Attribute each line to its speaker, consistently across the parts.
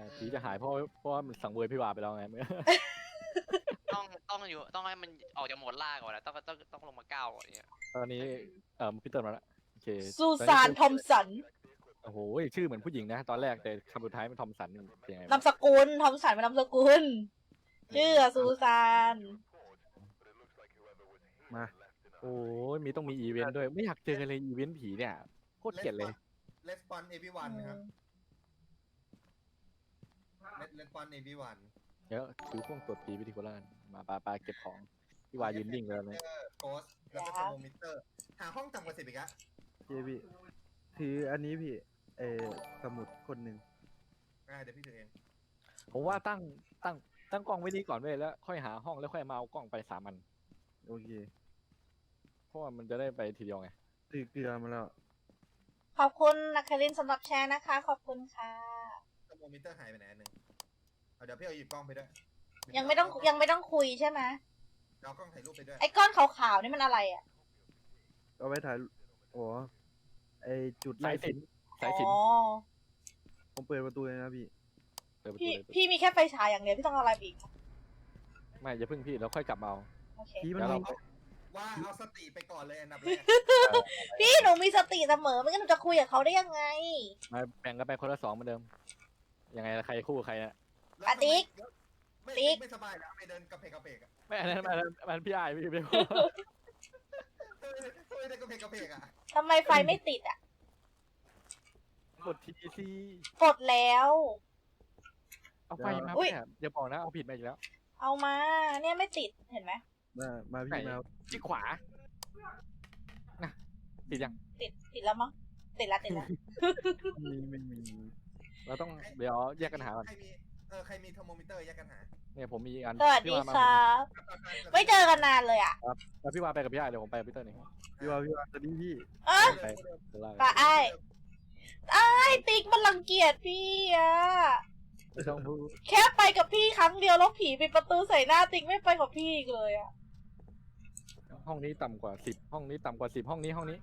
Speaker 1: ผีจะหายเพราะว่ามันสังเวยพี่วาไปแล้วไงเมื่อ
Speaker 2: ต้องให้มันออกจากโหมดล่าก่อนนะต้องลงมาก้าวก่อนเนี่ย
Speaker 1: ตอนนี้พี่เติร์นมาแล้วโอเค
Speaker 3: ซูซานทอมสัน
Speaker 1: โอ้โหชื่อเหมือนผู้หญิงนะ ตอนแรกแต่คำสุดท้ายมันทอมสันนี่เป็นยังไง
Speaker 3: นามสกุลทอมสันเป็นนามสกุลชื่อซูซาน
Speaker 4: มา
Speaker 1: โอ้ยต้องมีอีเวนต์ด้วยไม่อยากเจอเลยอีเวนต์ผีเนี่ยโคตรเกลียดเลย
Speaker 5: Respond everyone นะครับ Respond everyone
Speaker 1: เดี๋ยวถือพวงตรวจผีไปที่โคราชมาปาเก็บของพี่วายืนนิ่งเลยนะ
Speaker 5: โกสแล้วก็เทอร์โมมิเตอร์หาห้องต่ำกว่า10อีกอะ
Speaker 4: พี่ถืออันนี้พี่สมุดคนหนึ่ง
Speaker 5: เดี๋ยวพี่ถือเอง
Speaker 1: ผมว่าตั้งกล้องไว้นี่ก่อนเว้ยแล้วค่อยหาห้องแล้วค่อยมาเอากล้องไป3 อัน
Speaker 4: โอเค
Speaker 1: เพราะว่ามันจะได้ไปทีเดียวไง
Speaker 4: ถือเกลือมาแล้ว
Speaker 3: ขอบคุณนักคารินสำหรับแชร์นะคะ ขอบคุณค่ะ
Speaker 5: เทอร์โมมิเตอร์หายไปไหนอันหนึ่งเดี๋ยวพี่เอาหยิบกล้องไปด้วย
Speaker 3: ยังไม่ต้องคุยใช่ไหม
Speaker 5: เอากล้องถ่ายรูปไปด้วย
Speaker 3: ไอ้ก้อนขาวๆนี่มันอะไรอ่ะ
Speaker 4: เอาไว้ถ่ายอ๋อจุด
Speaker 1: สายสิญจน์
Speaker 3: อ๋อ
Speaker 4: ผมเปิดประตูเลยนะพี่
Speaker 1: เปิดประตู
Speaker 3: พี่
Speaker 1: เลย
Speaker 3: พี่มีแค่ไฟฉายอย่างเดียวพี่ต้องเอาอะไรอีก
Speaker 1: ไม่อย่าพึ่งพี่เราค่อยกลับมาเอา
Speaker 3: โอเค
Speaker 4: พี่มัน
Speaker 1: เดี๋ยวเรา
Speaker 5: ว่าเอาสติไปก่อนเลยอันดับแรก
Speaker 3: พี่หนูมีสติเสมอไม่งั้นหนูจะคุยกับเขาได้ยังไง
Speaker 1: มาแบ่งกันไปคนละ2เหมือนเดิมยังไงใครคู่ใครนะ
Speaker 5: แล้ว
Speaker 3: อ่ะติ๊ก ติ๊ก
Speaker 5: ไม่สบายแล้วไม่เดินกระเพกกระเพกอะ
Speaker 1: ไม่อันนั้นมันพี่อายพี่เบล
Speaker 5: ไม่ได้กระเพกกระเพกอะ
Speaker 3: ทำไมไฟไม่ติดอ่ะ
Speaker 1: กดทีซี
Speaker 3: กดแล้ว
Speaker 1: เอาไฟมา
Speaker 3: อุ๊ย
Speaker 1: เนี่ยอย่าบอกนะเอาผิดมาอีกแล้ว
Speaker 3: เอามา เนี่ยไม่ติดเห็นไหม
Speaker 4: มา
Speaker 1: ไหน
Speaker 4: พี่มา
Speaker 1: ที่ขวานะติดยัง
Speaker 3: ติดแล้วมั้งติดละ
Speaker 4: ไม่มี
Speaker 1: เราต้องเดี๋ยวแยกกันหาก่อน
Speaker 5: ใครมีเทอร์โมมิเตอร์แยกกันหา
Speaker 1: เนี่ยผมมีอีกอัน
Speaker 3: สวัสดี
Speaker 1: พี่วามา
Speaker 3: ครับไม่เจอกันนานเลยอ่ะ
Speaker 1: แล้วพี่วาไปกับพี่อายเดี๋ยวผมไปกับพี่เตอร์นี่
Speaker 4: พี่ว่าตอนนี้พี่
Speaker 3: เอ้ย
Speaker 1: ไปข้างล่าง
Speaker 3: ปะไอ้ติ๊กมันรังเกียจพี่อ่ะ
Speaker 1: ไม่ต้องพูด
Speaker 3: แค่ไปกับพี่ครั้งเดียวแล้วผีปิดประตูใส่หน้าติ๊กไม่ไปกับพี่อีกเลยอ่ะ
Speaker 1: ห้องนี้ต่ำกว่า10ห้องนี้ต่ำกว่า10ห้องนี้
Speaker 5: ห้องนี้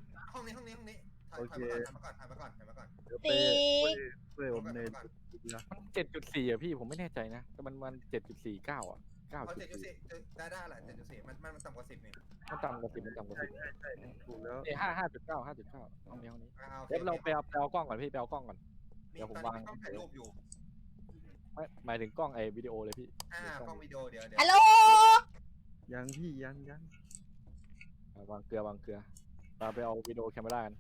Speaker 5: ถ่ายมาก่อน
Speaker 4: เดี๋ยว
Speaker 3: ติ๊ก
Speaker 4: เปิดผมในเกลือ
Speaker 1: มัน7.4อะพี่ผมไม่แน่ใจนะแต่มัน7.49อะ
Speaker 5: เอา7.4
Speaker 1: 9.4
Speaker 5: ได้แหละ7.4มันต่ำกว่า10นี่
Speaker 1: มันต่ำกว่า10มันต่ำกว่า
Speaker 4: ใช่ถูกแล้ว
Speaker 1: 10เนี่ย5.9ห้องนี้
Speaker 5: โอเค
Speaker 1: เดี๋ยวเราไปเอากล้องก่อนพี่ไปเอากล้องก่อน
Speaker 5: มี
Speaker 1: เดี๋ยวผม
Speaker 5: ตอน
Speaker 1: วาง
Speaker 5: นี้กล้องถ่ายรูปอยู่
Speaker 1: ไม่หมายถึงกล้องวิดีโอเลยพี่
Speaker 5: กล้องวิดีโอเดี๋ยว
Speaker 3: ฮัลโหล
Speaker 4: ยังพี่ยัง
Speaker 1: วางเกลือเราไปเอาวิดีโอแคมเมรากัน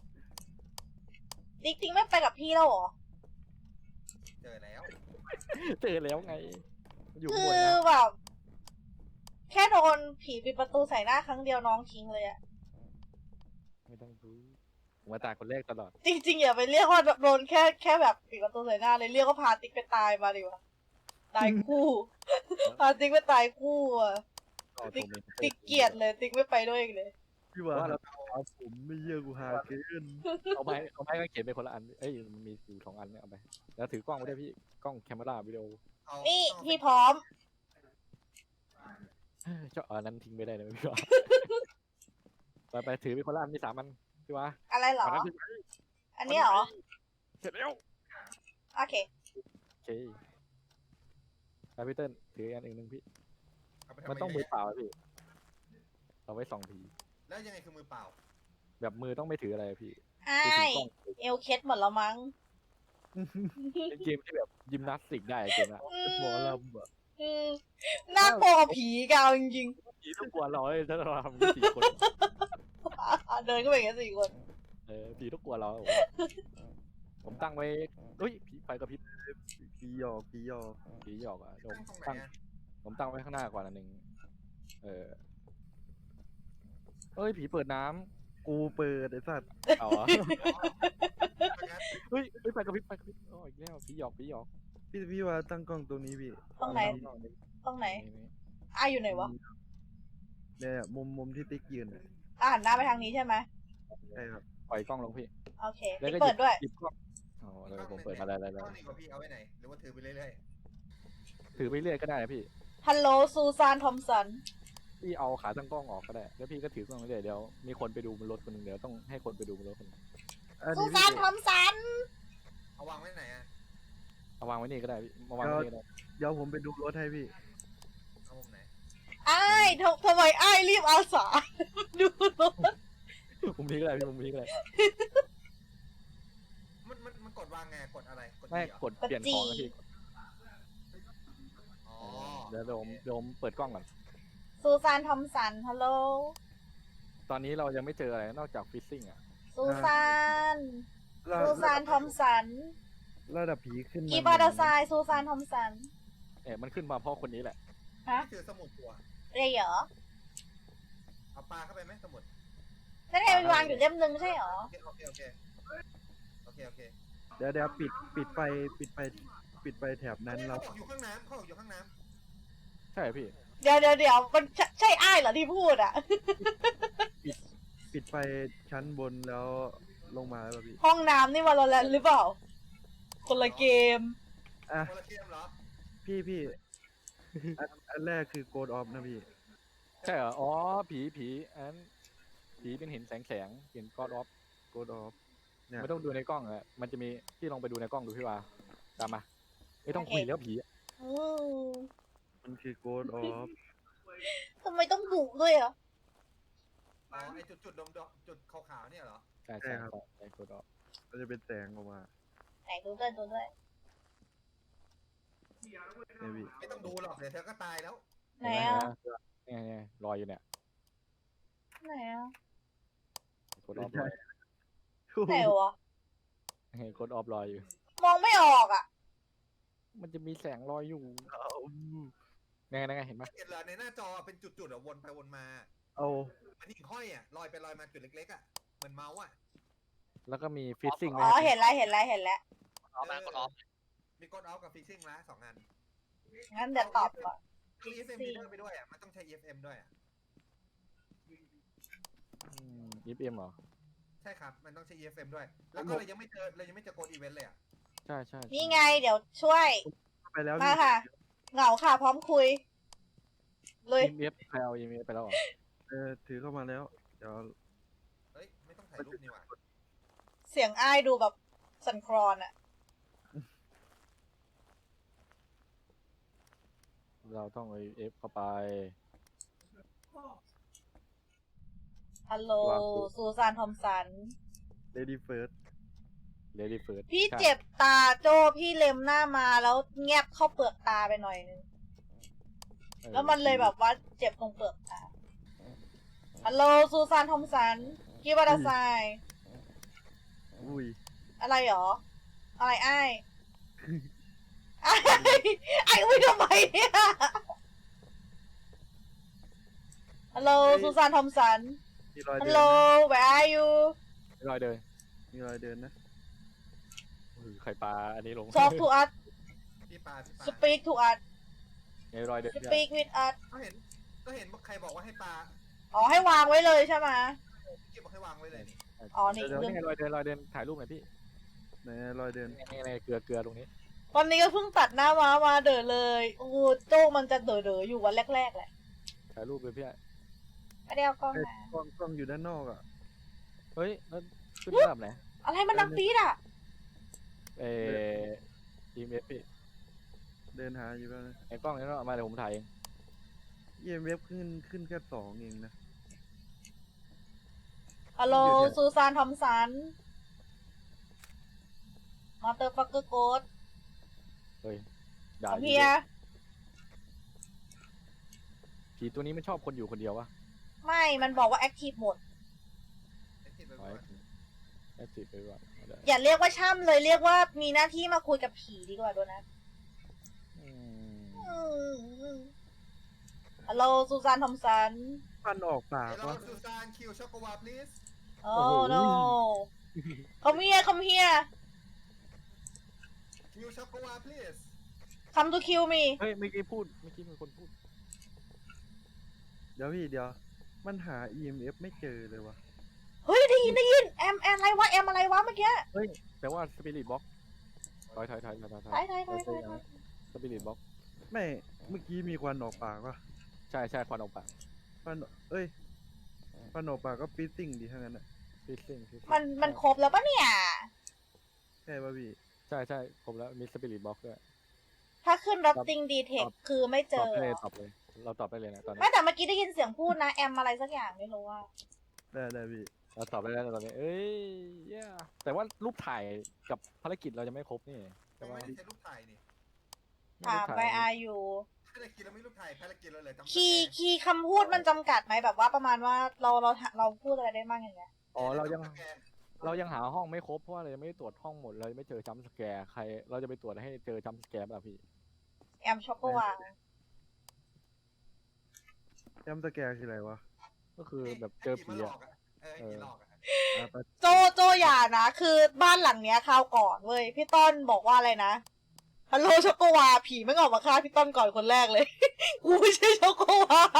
Speaker 3: ติ๊กไม่ไปกับพี่แล้วเหรอ
Speaker 5: เจอแล้ว
Speaker 1: เจอแล้วไงอยู่
Speaker 3: คื
Speaker 1: บน
Speaker 3: อ
Speaker 1: นะ
Speaker 3: แบบแค่โดนผีปิดประตูใส่หน้าครั้งเดียวน้องทิ้งเลยอะ
Speaker 1: ไม่ต้องรู้ผมมาตายคนแรกตลอด
Speaker 3: จริงๆอย่าไปเรียกว่าโดนแค่แบบปิดประตูใส่หน้าเลยเรียกว่าพาติ๊กไปตายมาดีกว่าตายคู่ พาติ๊กไปตายคู่อะ ติ๊กเกลียดเลยติ๊กไม่ไปด้วยอีกเลย
Speaker 4: พี่ว่าเอาผมไม่เยี่ยกูหาเกิน
Speaker 1: เอาไม้ก็เขียนไปคนละอันเอ้ยมันมีอยู่2 อันเนี่ยเอาไปแล้วถือกล้องไว้ด้วยพี่กล้องแคมเมราวิดีโอ
Speaker 3: นี่พี่พร้อม
Speaker 1: เจ้าอันนั้นทิ้งไม่ได้เลยพี่วะ ไปถือไปคนละอันมี3 อันพี่วะ
Speaker 3: อะไรเหรอ
Speaker 1: อันนั้นพี่
Speaker 3: อันนี้เหรอ
Speaker 1: เสร็จแล้ว
Speaker 3: โอเค
Speaker 1: โอเคไปพี่เติ้ลถืออันอื่นหนึ่งพี่
Speaker 5: เอาไปทำ
Speaker 1: มันต้องมือเปล่าอะพี่เอาไว้2 ที
Speaker 5: แล้วยังไงคือมือเปล่า
Speaker 1: แบบมือต้องไม่ถืออะไรอะพี่
Speaker 3: ไอ้
Speaker 1: ถือกล้อง
Speaker 3: เอลเคสหมดแล้วมั้ง
Speaker 1: เป็นเกมที่แบบยิมนาสติกได้เกมอะ
Speaker 4: หมอลำอะ
Speaker 3: อืมน่ากลัวกว่าผีกันจริง
Speaker 1: ผีต้องกลัวเราเลยถ้าเราทำ4 คน
Speaker 3: ๆเดินก็ไปกัน4 คน
Speaker 1: ผีต้องกลัวเราผมตั้งไว้เฮ้ยผีไฟกระพริบ
Speaker 4: พี่หยอก
Speaker 1: ผีหยอกอ่ะ
Speaker 5: ตั้งตรงไหนอะ
Speaker 1: ผมตั้งไว้ข้างหน้าก่อนอันหนึ่งเฮ้ยผีเปิดน้ำ
Speaker 4: กูเปิดไอ้สัตว์
Speaker 1: เอาอะ เฮ้ยไฟกระพริบอ๋ออีกแล้วผีหยอก
Speaker 4: พี่ว่าตั้งกล้องตรงนี้พี่
Speaker 3: ตรงไหน ตรงไหน
Speaker 1: นี่
Speaker 3: อยู่ไหนวะ
Speaker 4: เนี่ยมุมที่ติ๊กยืนอะ
Speaker 3: หันหน้าไปทางนี้ใช่ไหม
Speaker 4: ใช่ครับ
Speaker 1: ปล่อยกล้องลงพี่
Speaker 3: โอเค
Speaker 1: แล้ว
Speaker 3: ติ๊ก
Speaker 1: ก็
Speaker 3: เปิดด้วย
Speaker 1: หยิบกล้องอ๋อเลยผมเปิดมาได้
Speaker 5: กล้องนี่กว่าพี่เอาไว้ไหนหรือว่าถือไปเรื่อย
Speaker 1: ถือไปเรื่อยก็ได้นะพี่
Speaker 3: ฮัลโหลซูซานทอมสัน
Speaker 1: พี่เอาขาตั้งกล้องออกก็ได้แล้วพี่ก็ถือกล้องไปเรื่อยเดี๋ยวมีคนไปดูบนรถคนหนึ่งเดี๋ยวต้องให้คนไปดูบนรถคนหนึ่ง
Speaker 4: อัน
Speaker 3: ซู
Speaker 4: นี้
Speaker 3: ซานทอมสัน
Speaker 5: ๆเอาวางไว้ไหนอะ
Speaker 1: เอาวางไว้นี่ก็ได้พี่มาวางไว้นี่ก็ได้
Speaker 4: เดี๋ยวผมไปดูรถให้พี่
Speaker 5: เอามุมไหน
Speaker 3: อ้ายทำไมอ้ายรีบอาสา ดูรถ
Speaker 1: มุมนี้ก็ได้พี่มุมนี้ก็ได้
Speaker 5: มันกดวางไงกดอะไรกด
Speaker 1: ไม่
Speaker 5: E เหรอก
Speaker 1: ดเปลี่ยนของนะพี่
Speaker 5: อ๋อ
Speaker 1: เดี๋ยวผมเปิดกล้องก่อน
Speaker 3: ซูซานทอมสันฮัลโหล
Speaker 1: ตอนนี้เรายังไม่เจออะไรนอกจากฟิซซิ่งอ่ะ
Speaker 3: ซูซาน
Speaker 4: ระ
Speaker 3: ซูซานทอมสัน
Speaker 4: ระดับผีขึ้นมา
Speaker 3: กีบาร์ดาไซซูซานทอมสัน
Speaker 1: มันขึ้นมาเพราะคนนี้แหละ
Speaker 3: ฮะ
Speaker 5: นี่คือสมุดตัว
Speaker 3: เรียเหรอ
Speaker 5: เอาปลาเข้าไปไหมสมุด
Speaker 3: นั่นไงมันวางอยู่เล่มนึงไม่ใช่เหรอ
Speaker 5: โอเคโอเคโอเคโอเค
Speaker 4: เดี๋ยวปิดไฟแถบนั้น
Speaker 5: เขา
Speaker 4: เรา
Speaker 5: บอกอยู่ข้างน้ำเขาบอกอยู่ข้างน้
Speaker 1: ใช่พี่
Speaker 3: เดี๋ยวมันใช่อ้ายเหรอที่พูดอ่ะ
Speaker 4: ปิดไฟชั้นบนแล้วลงมาแล้วพี่
Speaker 3: ห้องน้ำนี่วาโลแรนต์หรือเปล่า คนละเกม
Speaker 4: อ่ะ
Speaker 5: ำคนละเกมเหรอ
Speaker 4: พี่อันแรกคือโกดออฟนะพี่
Speaker 1: ใช่เหรอ อ๋อ ผีผีเป็นเห็นแสงเห็นกอดออฟ
Speaker 4: โกดออฟเนี่ย
Speaker 1: ไม่ต้องดูในกล้องอะมันจะมีพี่ลองไปดูในกล้องดูพี่ว่าตามมา ไม่ต้องคุยแล้วผีอะ
Speaker 3: อืม
Speaker 4: มันคือโกดออฟ
Speaker 3: ทำไมต้องบุกด้วยอ่ะ
Speaker 5: อ๋อไอจุดดมจุดขาวๆเนี่ยเหรอ
Speaker 1: ใช่ใช่กอดออฟ
Speaker 4: มันจะเป็นแสงออกมา
Speaker 3: ไหนดูด้วย
Speaker 4: เนี่ยพี่
Speaker 5: ไม่ต้องดูหรอกเดี๋ยวเธอก็ตายแล้ว
Speaker 3: ไหนอ่ะ
Speaker 1: เนี่ยลอยอยู่เนี่ย
Speaker 3: ไหนอ่ะ
Speaker 1: กดออฟลอย
Speaker 3: ไหนวะ
Speaker 1: กดออฟลอยอยู่
Speaker 3: มองไม่ออกอ่ะ
Speaker 1: มันจะมีแสงลอยอยู่นั่นไงเห็นไหม
Speaker 5: เห็นเหรอในหน้าจอเป็นจุดๆอะวนไปวนมา
Speaker 4: เอา
Speaker 5: มันหิ่งห้อยอะลอยไปลอยมาจุดเล็กๆอะเหมือนเมาส์อะ
Speaker 1: แล้วก็มีฟิซซิ่ง
Speaker 3: อ๋อเห็นแล้ว
Speaker 2: ออฟนะกดออฟ
Speaker 5: มีกดออฟกับฟิกซิ่งละ2 อัน
Speaker 3: งั้นเดี๋ยวตอบก่อน
Speaker 5: มี EFM reader ไปด้วยอะมันต้องใช้ EFM ด้วยอะ
Speaker 1: ยิปเอ็มเหรอ
Speaker 5: ใช่ครับมันต้องใช้ EFM ด้วย แล้วก็เรายังไม่เจอโกดอีเวนต์เลยอะ
Speaker 1: ใช่
Speaker 3: นี่ไงเดี๋ยวช่วย
Speaker 4: ไปแล้ว
Speaker 3: มา
Speaker 4: พี่
Speaker 3: ค่ะ เหงาค่ะ พร้อมคุย เลย
Speaker 1: เอฟใครเอาเอฟไปแล้วเหรอ
Speaker 4: ถือเข้ามาแล้ว เดี๋ยว
Speaker 5: เฮ้ยไม่ต้องถ่ายรูปนี่หว่า
Speaker 3: เสียงอ้ายดูแบบสั่นคลอนอ่ะ
Speaker 1: เราต้องเอาเอฟเข้าไป
Speaker 3: ฮัลโหล
Speaker 1: วางปุ๊บ
Speaker 3: ซูซานทอมสัน
Speaker 4: เลดี้เฟิร์ส
Speaker 1: เลดี้เฟิร์ส
Speaker 3: พี่เจ็บตาโจพี่เล็มหน้ามาแล้วแงบเข้าเปลือกตาไปหน่อยนึง แล้วมันเลยแบบว่าเจ็บตรงเปลือกตา ฮัลโหลซูซานทอมสันกีบาร์ดาไซ
Speaker 4: อุ้ย
Speaker 3: อะไรหรอ อะไรอ้ายอ้ายอ้ายอุ้ยทำไมเนี่ยฮัลโหลซูซานทอมสัน
Speaker 4: มีรอย
Speaker 3: ฮั
Speaker 4: เดิ
Speaker 3: ล
Speaker 4: น
Speaker 3: โหล
Speaker 4: นะ
Speaker 3: where are you
Speaker 1: รอยเดิน
Speaker 4: มีรอยเดินนะ
Speaker 1: ไข่ปลาอันนี้ลง
Speaker 3: talk to us
Speaker 5: พี่ปา
Speaker 3: speak to us
Speaker 1: ไงรอยเดิน
Speaker 3: speak with us
Speaker 5: ก็เห็นใครบอกว่าให้ปา
Speaker 3: อ๋อให้วางไว้เลยใช่ไหม
Speaker 5: เก็บบอกให้วางไว้เลยนี่
Speaker 3: อ๋อนี่
Speaker 1: เดี๋ยว
Speaker 3: เรื่อง
Speaker 1: นี่ไงรอยเดินถ่ายรูปหน่อยพี่
Speaker 4: ไหนรอยเดิน
Speaker 1: ในเกลือตรงนี้
Speaker 3: ตอนนี้ก็เพิ่งตัดหน้าม้ามาเด๋อเลยโอ้โหโจ้มันจะเด๋ออยู่วันแรกๆแหละ
Speaker 1: ถ่ายรูปเลยพี่
Speaker 3: ไม่ได้เอากล้อง
Speaker 4: เอ้ย
Speaker 3: มาก
Speaker 4: ล้องอยู่ด้านนอกอ่ะ
Speaker 1: เฮ้ยแล้วขึ้นระดับไหน
Speaker 3: อะไรมันดังปี๊ดอ่ะ
Speaker 1: ทีมเอฟพี่
Speaker 4: เดินหาอยู่แล้วนะ
Speaker 1: ไอ้กล้องนี้เอามาเดี๋ยวผมถ่ายเอง
Speaker 4: EMF ขึ้นแค่2เองนะ
Speaker 3: ฮัลโหลซูซานทอมสันมาเตอร์ฟักเกอร์โกด
Speaker 1: เฮ้ยด่า
Speaker 3: เฮีย
Speaker 1: ผีตัวนี้ไม่ชอบคนอยู่คนเดียววะ
Speaker 3: ไม่ มันบอกว่าแอคทีฟหมด
Speaker 5: ไอ้ที่ไป
Speaker 1: ไว้
Speaker 5: ว่า
Speaker 1: แอคทีฟไปก่อน
Speaker 3: อย่าเรียกว่าช่ำเลยเรียกว่ามีหน้าที่มาคุยกับผีดีกว่าโดนัทฮัลโหลซูซานทอมสัน
Speaker 4: ฟันออกปาก
Speaker 5: เดี๋ยวเรา
Speaker 4: วะ
Speaker 5: ซูซานคิวช็อกโกวา please
Speaker 3: โอ้ no come here come here
Speaker 5: คิวช็อกโกวา please
Speaker 3: come to kill me
Speaker 1: เฮ้ยเมื่อกี้มีคนพูด
Speaker 4: เดี๋ยวมันหา EMF ไม่เจอเลยวะ
Speaker 3: เฮ้ยได้ยินแอมอะไรวะแอมอะไรวะเมื่อกี้
Speaker 1: เฮ้ยแปลว่าสปิริตบ็อกถอยสปิริตบ็อก
Speaker 4: ไม่เมื่อกี้มีควันออกปากวะ
Speaker 1: ใช่ควันออกปาก
Speaker 4: ควันออกปากก็ฟีซซิ่งดีทั้งนั้นอ่ะ
Speaker 1: ฟิซซิ่ง
Speaker 3: มันครบแล้วปะเนี่ย
Speaker 4: ใช่ป่ะพี่
Speaker 1: ใช่ใช่ครบแล้วมีสปิริตบ็อกด้วย
Speaker 3: ถ้าขึ้น Rotting Detect คือไม่เจ
Speaker 1: ตอบ
Speaker 3: อ
Speaker 1: ได้เลยตอบเลยเราตอบได้เลยนะตอนนี้
Speaker 3: ไม่แต่เมื่อกี้ได้ยินเสียงพูดนะแอมอะไรสักอย่างไม่รู้ว่า
Speaker 4: ได้พี่
Speaker 1: เราตอบได้แล้วตอนนี้เอ้ยเย้แต่ว่ารูปถ่ายกับภารกิจเราจะไม่ครบนี่
Speaker 5: ยั
Speaker 1: แต่
Speaker 5: ง
Speaker 1: ว่า
Speaker 5: ไม่ได้ใช้รูปถ่ายนี่
Speaker 3: ถามไปอายุ
Speaker 5: ภารกิจเราไม่รูปถ่ายภารกิจเราเลยจำ
Speaker 3: คีย์คำพูดมันจำกัดไหมแบบว่าประมาณว่าเราพูดอะไรได้บ้างอย่างเงี้ย
Speaker 1: อ๋อเรายังหาห้องไม่ครบเพราะว่าเรายังไม่ได้ตรวจห้องหมดเรายังไม่เจอจัมป์สแกร์ใครเราจะไปตรวจให้เจอจัมป์สแกร์ป่ะพี่
Speaker 3: แอมช็อกโกวา
Speaker 4: จำสแกร์คืออะไรวะ
Speaker 1: ก็คือแบบเจอผี
Speaker 5: หล
Speaker 1: อะ
Speaker 5: อกผีหลอกอะ
Speaker 3: โจอย่านะคือบ้านหลังเนี้ยคราวก่อนเว้ยพี่ต้นบอกว่าอะไรนะฮัลโหลช็อกโกวาผีไม่งออกมาฆ่าพี่ต้นก่อนคนแรกเลย กูไม่ใช่ช็อกโกวา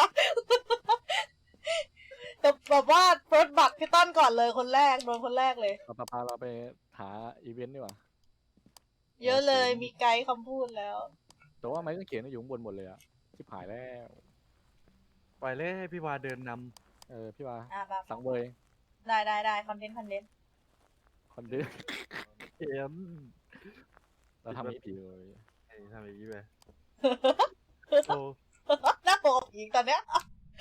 Speaker 3: แต่แบบว่าเฟิร์สบัตพี่ต้นก่อนเลยคนแรกโดนคนแรกเลย
Speaker 1: เราไปหาอีเวนต์ดีกว่า
Speaker 3: เยอะเลยมีไกด์คำพูดแล้ว
Speaker 1: แต่ว่าไม้กางเขนอยู่ข้างบนหมดเลยอะชิบหายแล้ว
Speaker 4: ปล่อยเลยให้พี่วาเดินน
Speaker 1: พี่ว่า
Speaker 3: อ่ะแบบ
Speaker 1: สังเวย
Speaker 3: ได้คอนเทนต์
Speaker 1: คนดื้อ
Speaker 4: ำเกม
Speaker 1: เราทำนี้ผีเลย
Speaker 4: ทำอย่างนี้ไปโอ้
Speaker 3: น่าโกรธอีกตอนเนี้ย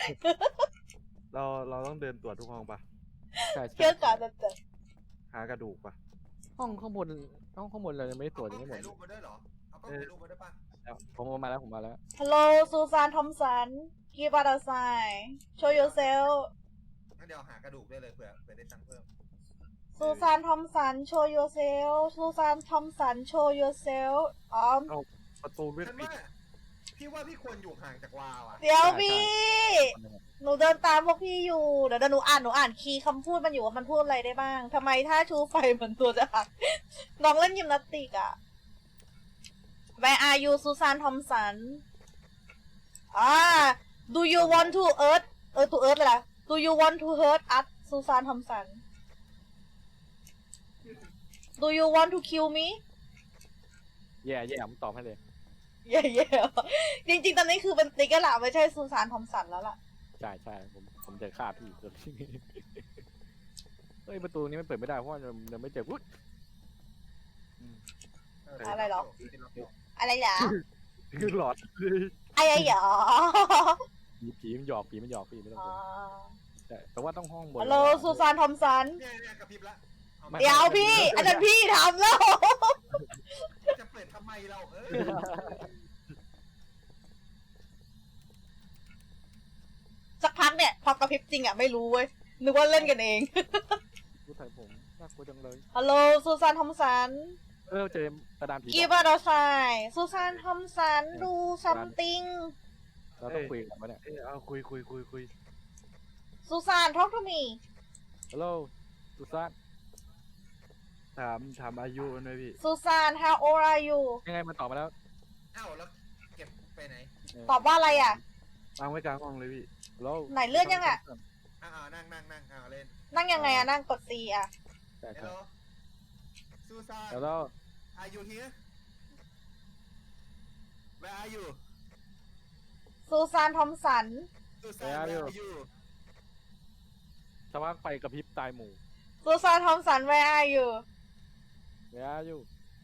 Speaker 4: เราต้องเดินตรวจทุกห้องปะ
Speaker 1: ใช่
Speaker 3: เชื่อการจะเจอ
Speaker 4: หากระดูกปะ
Speaker 1: ห้องข้างบนเรายังไม่ได้ตรวจยังไม่หมด
Speaker 5: ถ่ายรูปมาด้วยเหรอเอากล้องถ่ายรูปมาด้วยป่ะ
Speaker 1: ผมมาแล้ว
Speaker 3: ฮัลโหลซูซานทอมสันกีบาร์ดไซโชว์ yourself
Speaker 5: งั้นเดี๋ยวหากระดูกได้เลยเผื่อได้ตังค์เพิ่ม
Speaker 3: ซูซานทอมสันโชว์ yourself ซูซานทอมสันโชว์ yourself อ๋อ
Speaker 4: ประตูไม่
Speaker 5: ฉัน
Speaker 4: ปิด
Speaker 5: ว่าพี่ว่าพี่ควรอยู่ห่างจากวาวอ่ะ
Speaker 3: เดี๋ยวพี่ หนูเดินตามพวกพี่อยู่ เดี๋ยวหนูอ่านคีย์คำพูดมันอยู่ว่ามันพูดอะไรได้บ้าง ทำไมถ้าชูไฟเหมือนตัวจะหัก น้องเล่นยิมนาสติกอะ Where are you ซูซานทอมสันDo you want to earth to earth เลยล่ะ Do you want to hurt us ซูซานทอมสัน Do you want to kill me
Speaker 1: แย่ผมตอบให้เลย
Speaker 3: เย่ๆจริงๆ ตอนนี้คือเป็นติ๊กแล้วล่ะไม่ใช่ซูซานทอมสันแล้วล่ะ
Speaker 1: ใช่ผมจะฆ่าพี่ตัวนี้ เฮ้ยประตูนี้มันเปิดไม่ได้เพราะว่ายังไม่เจอวุ้ย
Speaker 3: อะไรหรอ อะไรเหรอ
Speaker 4: คือหลอดเลย
Speaker 3: อะไรเหรอ
Speaker 1: ผีมันหยอกพี่ไม่ต้องกลัวใช่แต่ว่าต้องห้องบน
Speaker 3: ฮัลโหลซูซานทอมสัน
Speaker 5: เนี่ยกระพริบละ
Speaker 3: เดี๋ยวพี่อาจารย์พี่ทำแล้ว
Speaker 5: จะเปิดทำไมเรา
Speaker 3: สักพักเนี่ยพอกระพริบจริงอ่ะไม่รู้เว้ยนึกว่าเล่นกันเอง
Speaker 1: รู้ไทยผมน่ากลัวจังเลย
Speaker 3: ฮัลโหลซูซานทอมสัน
Speaker 1: เจอกระดานผี
Speaker 3: กีบาร์ดไซซูซานทอมสันดูซัมติง
Speaker 1: เราต้องคุยกันวะเนี่ย
Speaker 4: เอาคุย
Speaker 3: ซูซานทอ k ก o มี
Speaker 1: ฮัลโหลตุซาน
Speaker 4: ถามอายุมันด้วยพี่
Speaker 3: ซูซาน how old are you
Speaker 1: ยังไงมันตอบมาแล้ว
Speaker 5: อ้าวแล้วเก็บไปไหน
Speaker 3: ตอบว่าอะไรอ่ะ
Speaker 4: วางไว้กลางห้องเลยพี่
Speaker 1: ฮัลโหล
Speaker 3: ไหนเลื่อนยังอะ
Speaker 5: นั่งเล่น
Speaker 3: นั่งยังไงอ่ะ นั่งกด C อ่ะ
Speaker 1: ใช่
Speaker 5: ฮัลโหลซูซาน
Speaker 1: ฮัลโหล
Speaker 5: Are you here Where are you
Speaker 3: ซูซานทอมสัน
Speaker 5: ซูซาน Where are you
Speaker 1: สว่างไฟกระพริบตายหมู่
Speaker 3: ซูซานทอมสัน where are you
Speaker 1: เนียอยู่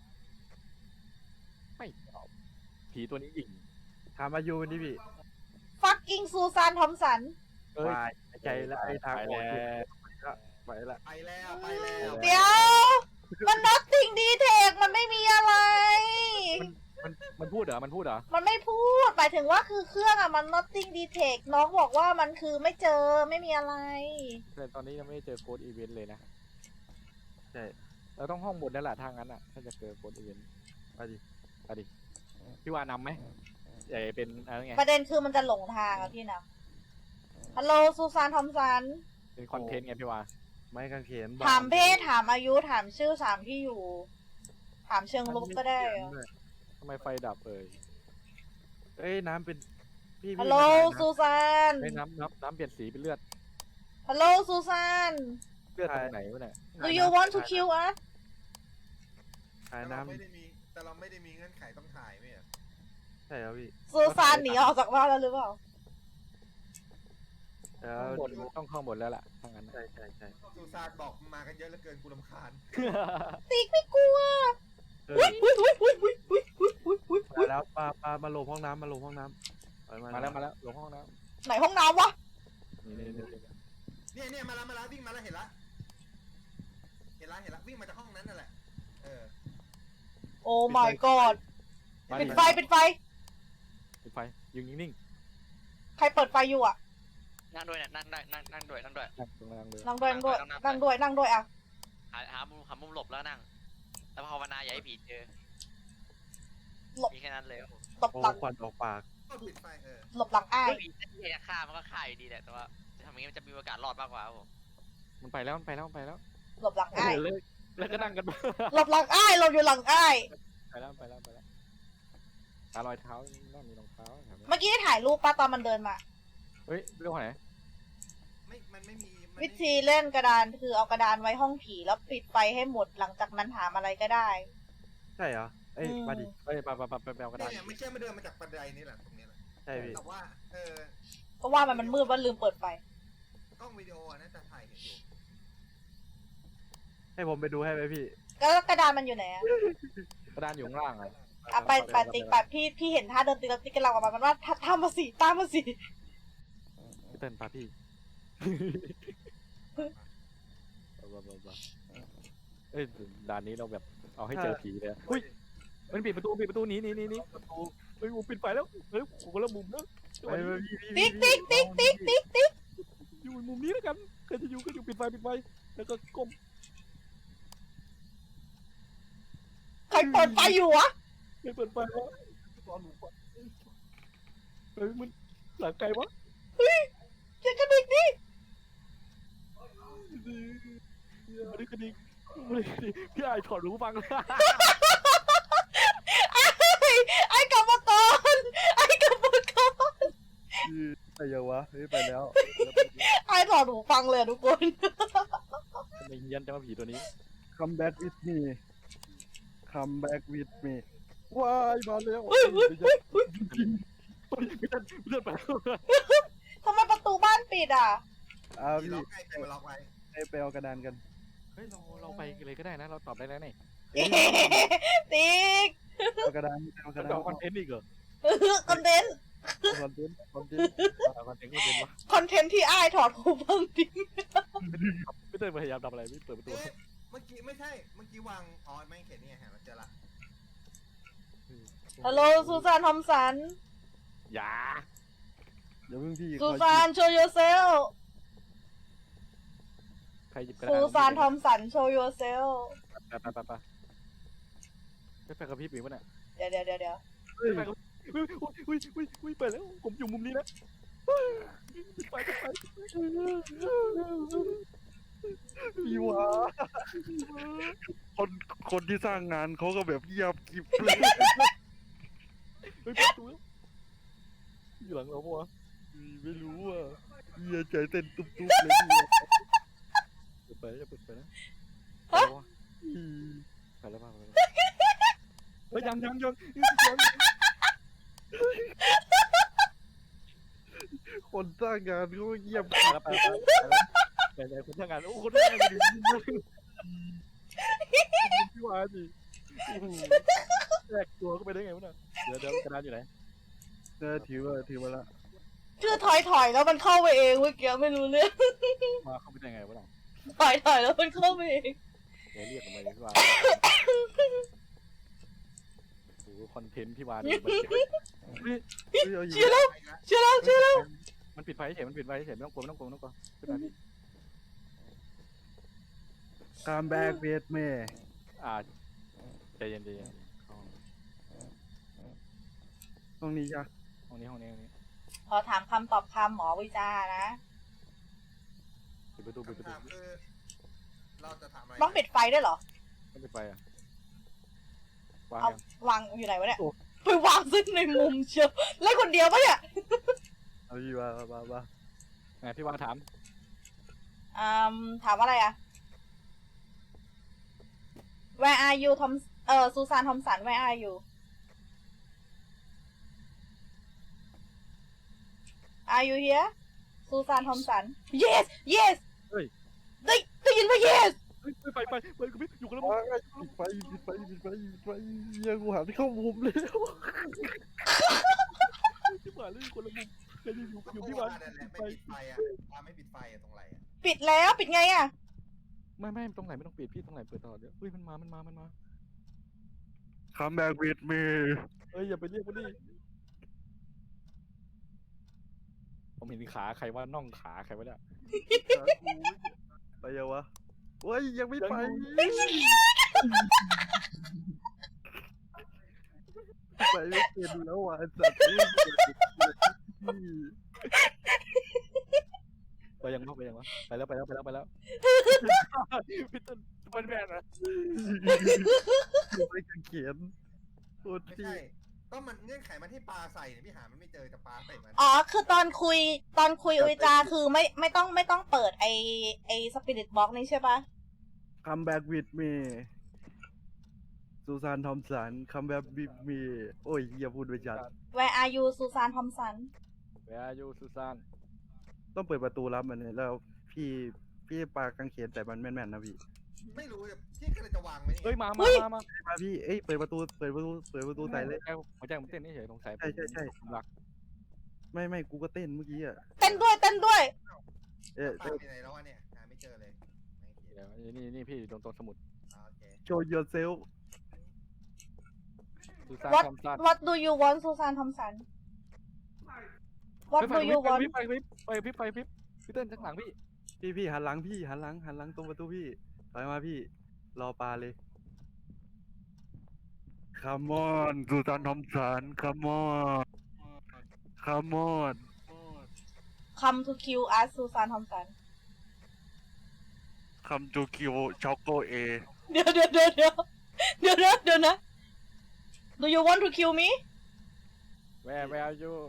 Speaker 1: ไม่ตอบผีตัวนี้ยิง
Speaker 4: ถามอายุมันดิพี่
Speaker 3: fucking ซูซานทอมสัน
Speaker 1: เอ้ยว
Speaker 4: ายใจละไอ้ทาง
Speaker 1: ไป
Speaker 4: ออก
Speaker 1: แล้ว
Speaker 4: ไปละ
Speaker 5: ไปแล้วไปแล้ว
Speaker 3: เดี๋ยว มัน nothing detect มันไม่มีอะไร
Speaker 1: มันพูดเหรอ
Speaker 3: มันไม่พูด หมายถึงว่าคือเครื่องอ่ะ มัน nothing detect น้องบอกว่ามันคือไม่เจอไม่มีอะไร
Speaker 1: แต่ตอนนี้ยังไม่ได้เจอโค้ดอีเวนต์เลยนะ
Speaker 4: ใช่
Speaker 1: เราต้องห้องบนนั่นแหละทางนั้นอ่ะ ถ้าจะเจอโค้ดอีเวนต์
Speaker 4: ไปดิ
Speaker 1: พี่ว่านำไหมใหญ่เป็นอะไรไง
Speaker 3: ประเด็นคือมันจะหลงทางอ่ะพี่นะฮัลโหลซูซานทอมสัน
Speaker 1: เป็นคอนเทนต์ไงพี่ว่า
Speaker 4: ไม้กางเขน
Speaker 3: ถามเพศถามอายุถามชื่อถามที่อยู่ ถามเชิงลุกก็ได้อะ
Speaker 1: ทำไมไฟดับเอ่ย
Speaker 4: เอ้ยน้ำเป็นพี่
Speaker 3: ฮัลโหลซูซาน
Speaker 1: ไม่น้ำเปลี่ยนสีเป็นเลือด
Speaker 3: ฮัลโหลซูซาน
Speaker 1: เลือดตรงไหนวะเนี่ย
Speaker 3: Do you want to kill us
Speaker 4: ถ่าย
Speaker 5: แต่
Speaker 4: น้
Speaker 5: เราไม่ได้มีเงื่อนไขต้องถ่ายไหมอ่ะ
Speaker 4: ำใช่แล้วพี่
Speaker 3: ซูซานหนีออกจากบ้านแล้วหรือเปล่า
Speaker 4: แล้ว
Speaker 1: ข้างบนต้องข้างบนแล้วล่ะทางนั้น
Speaker 4: ใช่
Speaker 5: ซูซานบอกมากันเยอะเหลือเกินกูรำคาญ
Speaker 3: ติ๊กไม่กลัว
Speaker 4: เออ
Speaker 3: อุ้ยอุ้ยอุ้ยอุ้ยอุ้ยอุ้ยอุ้ยอุ้ย
Speaker 4: มาแล้วปลามาลงห้องน้ำมาลงห้องน้ำไป
Speaker 1: มาแล้วลงห้องน้
Speaker 3: ไหนห้องน้ำวะ
Speaker 1: ำนี่
Speaker 5: เนี่ยมาแล้ววิ่งมาแล้วเห็นละวิ่งมาจากห้องนั้นนั่นแหละ
Speaker 3: โอ้ my god ปิดไฟ
Speaker 1: ปิดไฟยืนนิ่ง
Speaker 3: ใครเปิดไฟอยู่อ่ะ
Speaker 2: นั่งด้วยเนี่ยนั่งด้วย
Speaker 1: ๆนั่งตรงนั้นเลย
Speaker 3: นั่งด้วยอ่ะ
Speaker 2: หามุมหลบแล้วนั่งแล้วภาวนาอย่าให้ผีเจอ
Speaker 3: หลบ
Speaker 2: มีแค่นั้นเลย
Speaker 3: หลบ
Speaker 4: โอ้
Speaker 3: หลัง
Speaker 4: ควันออกปาก
Speaker 5: ก็ปิดไฟ
Speaker 3: หลบหลังอ้าย
Speaker 2: ผีจะฆ่ามันก็ฆ่าอยู่ดีแหละแต่ว่าจะทำอย่างนี้มันจะมีโอกาสรอดมากกว่าครับผม
Speaker 1: มันไปแล้ว
Speaker 3: หลบหลังอ้าย
Speaker 1: แล้วก็นั่งกัน
Speaker 3: หลบหลังอ้ายหลบอยู่หลังอ้าย
Speaker 1: ไปแล้วหารอยเท้าน่ามีรองเท้า
Speaker 3: เมื่อกี้ได้ถ่ายรูปป้าตอนมันเดินมา
Speaker 1: เฮ้ยเรื่องไหน
Speaker 5: มันไม่มี
Speaker 3: วิธีเล่นกระดานคือเอากระดานไว้ห้องผีแล้วปิดไฟให้หมดหลังจากนั้นถามอะไรก็ได้
Speaker 4: ใช่เหรอเอ้ยมาดิ
Speaker 1: เฮ้ยไปเอากระดาษ
Speaker 5: เนี่ยไม่เชื่อไม่เดินมาจากบันไดนี่แหละตรงนี้แหละ
Speaker 4: ใช่พี่
Speaker 5: แต่ว่า
Speaker 3: ก็ว่ามันมืดว่าลืมเปิดไฟ
Speaker 5: กล้องวิดีโอน่าจะถ่ายเห็นอยู่
Speaker 4: ให้ผมไปดูให้ไหมพี่
Speaker 3: แล้วกระดานมันอยู่ไหนอะ
Speaker 1: กระดานอยู่ข้างล่างอ่ะ
Speaker 3: อ่ะไปติ๊กพี่เห็นท่าเดินติ๊กแล้วติ๊กกำลังออกมามันว่าตามมาสิ
Speaker 1: พี่เติ้ลพาพี่เอ้ยด่านนี้เราแบบเอาให้เจอผีเลยอุ้ยมันปิดประตูหนีประตูเฮ้ยปิดไฟแล้วเฮ้ยคนละมุมนะ
Speaker 4: ไปพี่
Speaker 3: ติ๊ก
Speaker 1: อยู่มุมนี้แล้วกันใครจะอยู่ก็อยู่ปิดไฟแล้วก็ก้ม
Speaker 3: ใครเปิดไฟอยู่วะ
Speaker 1: ไม่เปิดไฟแล้วตอนหนูฟังเฮ้ยมันหลังไกลวะ
Speaker 3: อย่ากระดิกดิ
Speaker 1: ไม่ได้กระดิกพี่ไอถอดหูฟัง
Speaker 3: ไอ้กรรมกร
Speaker 4: ไปยังวะเฮ้ยไปแล้ว
Speaker 3: ไอ้ถอดหูฟังเลยทุกคน
Speaker 1: ไม่เฮี้ยนจะมาผีตัวนี้
Speaker 4: come back with me come back with me ว้ายมาแล้ว
Speaker 1: ไม่ทันไปแล้ว
Speaker 3: ทำไมประตูบ้านปิดอ่ะ
Speaker 4: อ้าว
Speaker 5: ที่
Speaker 4: พี่
Speaker 5: ล็อกใกล้ไปล็อกไว้
Speaker 4: ไปเอากระดานกัน
Speaker 1: เฮ้ยเราไปเลยก็ได้นะเราตอบได้แล้วนี่
Speaker 3: ติ๊ก
Speaker 4: เอากระดานเอาก
Speaker 1: จะ
Speaker 4: ระดาน
Speaker 1: เอาคอนเทนต์อีกเหรอ
Speaker 3: คอนเทนต์
Speaker 4: คอนเทนต์
Speaker 1: เอาคอนเทนต์วะ
Speaker 3: คอนเทนต์ที่ไอ้ถอดหูฟังทิ้ง
Speaker 1: พี่เต้ยพยายามทำอะไรพี่เปิดประตู
Speaker 5: เมื่อกี้ไม่ใช่เมื่อกี้วางไม่เขียนนี่ไงเห็นแล้วเจอละ
Speaker 3: ฮัลโหลซูซานทอมสัน
Speaker 1: อย่า
Speaker 4: เดี๋ยวเพิ่งพี่
Speaker 3: ซูซานโชว์ยูเซล
Speaker 1: ใครหยิบกระดาษ
Speaker 3: ซูซานทอมสันโชว์ยูเซล
Speaker 1: ไปกับพี่ปีวะเนี่ย
Speaker 3: เดี๋ยว
Speaker 1: ไปกับอุ้ยไปแล้วผมอยู่มุมนี้นะไป
Speaker 4: พี่วะคนที่สร้างงานเขาก็แบบเงียบกริบเลย
Speaker 1: เฮ้ยประตูอยู่หลังเราปะวะ
Speaker 4: ไม่รู้อ่ะเฮียใจเต้นตุ๊บๆเลยพี่
Speaker 1: เปิดไปจะเปิดไปนะไปแล้วป่ะเฮ้ยยัง
Speaker 4: คนสร้างงานเขาก็เงียบ
Speaker 1: ไปคนทำงานโอ้คนทำงานดีพี่วาดิแตกตัวก็ไปได้ไงวะเนี่ยเดี๋ยวกระดานอยู่ไหน
Speaker 4: ถือมาละ
Speaker 3: คือถอยแล้วมันเข้าไปเองเมื่อกี้ไม่รู้เรื่อง
Speaker 1: มาเข้าไปได้ไงวะเนี่ย
Speaker 3: ถอยแล้วมันเข้าไปเอง
Speaker 1: เดี๋ยวเรียกทำไมพี่วาโอ้คอนเทนต์พี่วาดิ
Speaker 3: เชื่อแล้ว
Speaker 1: มันปิดไฟเฉยไม่ต้องกลัวขึ้นมาพี่
Speaker 4: Come back with me
Speaker 1: ใจเย็น
Speaker 4: ตรงนี้จ้ะ
Speaker 1: ห้องนี้
Speaker 3: พอถามคำตอบคำหมอวิจานะ
Speaker 1: ปิดประตู
Speaker 5: คำถามคือเราจะถามอะไร
Speaker 3: ต้องปิดไฟด้วยเหรอ
Speaker 1: ต้องปิดไฟอ่ะวาง
Speaker 3: เอาวางอยู่ไหนวะเนี่ยไปวางซึ่งในมุมเชียวเล่นคนเดียวปะเนี่ย
Speaker 4: เอาพี่ว่า
Speaker 1: ไงพี่วาถาม
Speaker 3: ถามอะไรอะ Where are you ซูซานทอมสัน Where are you Are you here ซูซานทอมสัน Yes
Speaker 1: เฮ้ย
Speaker 3: ได้ยินว่า Yes
Speaker 1: เฮ้ยไปกับพี่อยู่กันแล้ว
Speaker 4: ปิดไฟเฮียกูหันเข้ามุมแล้ว
Speaker 1: พี่หวานเลยคนละมุมใครจะอยู่
Speaker 5: ก็
Speaker 1: อยู่
Speaker 5: เพ
Speaker 1: พี่
Speaker 5: ราะ
Speaker 1: หวา
Speaker 5: ว่าน นั่นแหละไม่ปิดไฟอ่ะปาไม่ปิดไฟอ่ะตรงไหนอ่ะ
Speaker 3: ปิดแล้วปิดไงอ่ะ
Speaker 1: ไม่ตรงไหนไม่ต้องปิดพี่ตรงไหนเปิดตลอดเดี๋ยวเฮ้ยมันมา
Speaker 4: Come back with me
Speaker 1: เฮ้ยอย่าไปเรียกมันดิผมเห็นขาใครว่าน่องขาใครวะเนี่ย
Speaker 4: ไปยังวะเฮ้ยยังไม่ไปไปไม่เป็นแล้วอ่ะสัตว์
Speaker 1: ไปยังวะไปแล้วพี่ต้นมันแบนนะ
Speaker 4: ไม่กันเขียนโคตร
Speaker 5: ไม่
Speaker 4: ที่
Speaker 5: ใช่ก็มันเงื่อนไขมันที่ปลาใส่เนี่ยพี่หามันไม่เจอจะปลาใส่มัน
Speaker 3: อ๋อคือตอนคุยอุยจาคือไม่ต้องเปิดไอสปิริตบ็อกนี่ใช่ปะ
Speaker 4: Come back with me ซูซานทอมสัน Come back with me โอ้ยอย่าพูดไปจัด
Speaker 3: Where are you ซูซานทอมสัน
Speaker 1: แวร์ยูซูซาน
Speaker 4: ต้องเปิดประตูรับมันเนี่ยแล้วพี่ปากางเขนแต่มันแม่นๆนะพี่
Speaker 5: ไม่รู้จะพี่ก็เลยจะวางไว้นี่
Speaker 1: เฮ้ยมา
Speaker 4: มาพี่เอ้ยเปิดประตูใส่เลย
Speaker 1: หัวใจผมเต้นเฉยสงสัย
Speaker 4: ใช่
Speaker 1: ผมรัก
Speaker 4: ไม่กูก็เต้นเมื่อกี้อ่ะ
Speaker 3: เต้นด้วย
Speaker 5: ปลาไปไหนแล้ววะเนี่ยหาไม่เจอเลยไม่เห็น
Speaker 1: เดี๋ยวนี่พี่ตรงสมุด
Speaker 5: โอเค
Speaker 4: Show yourself
Speaker 1: ซูซาน
Speaker 3: What
Speaker 1: ทอมสัน
Speaker 3: What do you want ซูซานทอมสัน What do you want
Speaker 1: ไปพี่เต้นข้างหลังพี่
Speaker 4: หันหลังตรงประตูพี่ถอยมาพี่รอปลาเลย Come on ซูซานทอมสัน Come on
Speaker 3: Come to kill us ซูซานทอมสัน
Speaker 4: Come to kill Choco A
Speaker 3: เดี๋ยวนะ Do you want to kill me
Speaker 1: Where are you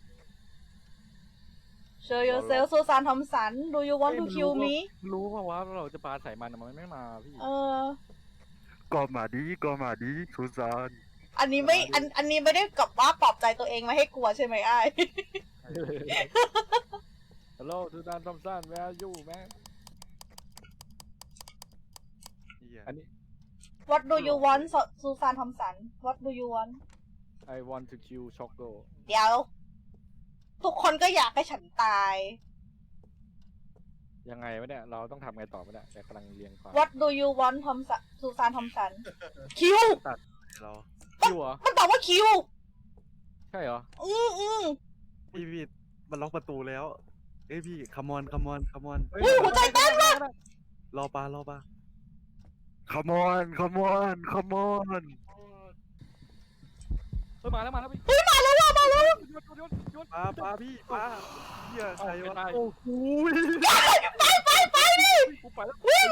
Speaker 3: Show yourself ซูซานทอมสัน Do you want to kill me
Speaker 1: รู้ป่าวว่าเราจะปาใส่มันไม่มาพี่
Speaker 4: ก็มาดีซูซาน
Speaker 3: อันนี้ไม่ได้กับว่าปลอบใจตัวเองไม่ให้กลัวใช่ไหมอ้าย
Speaker 1: ฮัลโหลซูซานทอมสัน Where are you man อันนี้
Speaker 3: What do you want ซูซานทอมสัน What do you want
Speaker 1: I want to kill Choco
Speaker 3: เดี๋ยว ทุกคนก็อยากให้ฉันตาย
Speaker 1: ยังไงวะเนี่ยเราต้องทำไงต่อวะเนี่ยแต่กำลังเรียงความ
Speaker 3: What do you want ทอมสันซูซานทอมสัน คิว
Speaker 4: เรา
Speaker 1: คิวเหรอ
Speaker 3: มันตอบว่าคิว
Speaker 1: ใช่เหรอ
Speaker 4: พี่มันล็อกประตูแล้วเอ้ยพี่ Come on
Speaker 3: อุ้ยหัวใจเต้นมาก
Speaker 4: รอปลาCome on
Speaker 1: เฮ้ยมาแล้วพี่
Speaker 3: เฮ้ยมาแล้วว่ะมาแล้ว
Speaker 1: โยน
Speaker 4: ปลาพี่ปลาเฮียใครวะ
Speaker 1: เอาไม่ได้
Speaker 4: โอ้โห
Speaker 3: ไปดิ
Speaker 1: กูไปแล้ว
Speaker 3: วิ่ง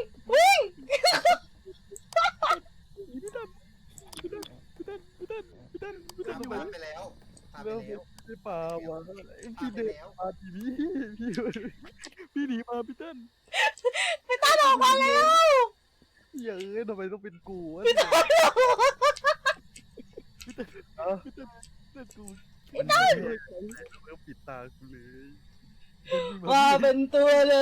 Speaker 1: พี่เต้นอยู่
Speaker 5: ปลาไปแล้วปลาไป
Speaker 4: เริ่ม
Speaker 5: แล้ว
Speaker 4: ไม่ปลาวะ
Speaker 5: ปลา
Speaker 4: พี่
Speaker 5: ไป
Speaker 4: เด็ก
Speaker 5: แล้ว
Speaker 4: ปลาทีวีพี่
Speaker 1: หนีมาพี่เต้น
Speaker 3: พี่ตาออกมาแล้ว
Speaker 4: เฮียทำไมต้องเป็นกูวะ
Speaker 3: พี่ตา
Speaker 1: พี่เต้นกู
Speaker 4: มันไม่เริ่มปิดตากูเลย
Speaker 3: มาเป็นตัวเลย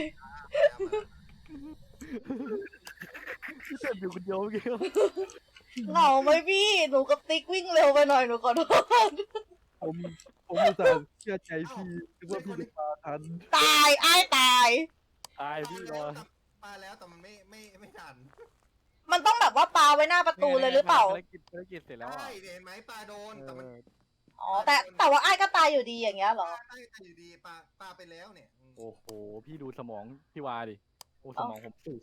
Speaker 1: พี่เต้นอยู่คนเดียวเมื่อกี้
Speaker 3: เหงาไหมพี่หนูกับติ๊กวิ่งเร็วไปหน่อยหนูขอโทษ
Speaker 4: ผมอุตส่าห์เชื่อใจพี่คิดว่าพี่จะปลาทัน
Speaker 3: ตายอ้ายตาย
Speaker 1: ตายพี่รอ
Speaker 5: ปลาแล้วแต่มันไม่ทัน
Speaker 3: มันต้องแบบว่าปาไว้หน้าประตูเลยหรือเปล่า
Speaker 1: ภารกิจเสร็จแล้ว
Speaker 5: ใช่
Speaker 1: อ่ะ
Speaker 5: เห็นไหมปลาโดนแต่มัน
Speaker 3: อ๋อแต่ว่าอ้ายก็ตายอยู่ดีอย่างเงี้ยเหรอ
Speaker 5: ใช่แต่อยู่ดีปลาไปแล้วเนี่ย
Speaker 1: โอ้โหพี่ดูสมองพี่วาดิโอ้สมองผมสูง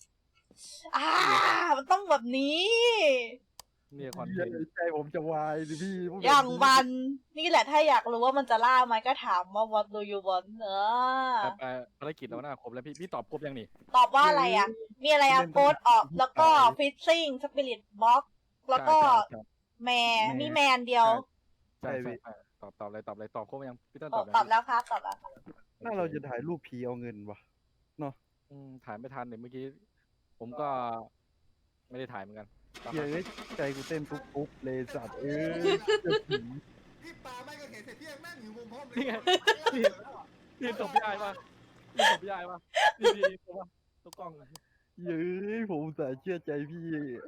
Speaker 3: มันต้องแบบนี้
Speaker 1: เนี่ยคอนเท
Speaker 4: เฮีย
Speaker 1: นต์
Speaker 4: ใจผมจะวายดิพี่
Speaker 3: อย่างวันนี่แหละถ้าอยากรู้ว่ามันจะล่าไหมก็ถามว่า what do you want
Speaker 1: ไปภารกิจแล้วนะครบแล้วพี่ตอบครบยังนี่
Speaker 3: ตอบว่าอะไรอ่ะ มีอะไรอ่ะโค้ดออกแล้วก็ fishing spirit box แล้วก็แม่มีแมนเดียว
Speaker 1: ใช่ตอบเลยตอบครบยังพี่ต้น
Speaker 3: ต
Speaker 1: ต
Speaker 3: อ
Speaker 1: อ
Speaker 3: บบ แล้วครับตอบแล้ว
Speaker 4: ถ้าเราจะถ่ายรูปผีเอาเงินวะ
Speaker 1: ถ่ายไม่ทันเนี่ยเมื่อกี้ผมก็ไม่ได้ถ่ายเหมือนกัน
Speaker 4: เฮียใจกูเต้นปุ๊บเลยสัตว์
Speaker 5: พี่ปลาไม่ก็เห็นเสร็จพี่ยังนั่งอยู่มุมห้องเลย
Speaker 1: นี่ตบพี่ไอ้ป่ะนี่ตบพี่ไอ้ป่ะนี่ตัวกล้อง
Speaker 4: เย้ยผมอุตสาห์เชื่อใจพี่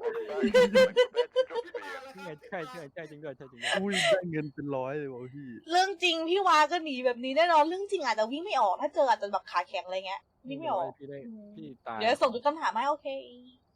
Speaker 1: นี่ไงใช่จริงด้วยใช่จริงด้วย
Speaker 4: อุ้ยได้เงินเป็นร้อยเลยว่ะพี่
Speaker 3: เรื่องจริงพี่วาก็หนีแบบนี้แน่นอนเรื่องจริงอาจจะวิ่งไม่ออกถ้าเจออาจจะแบบขาแข็งอะไรเงี้ยวิ่งไม่ออก
Speaker 1: พี่ได้พี่ตาย
Speaker 3: เดี๋ยวส่งจุดคำถามให้โอเค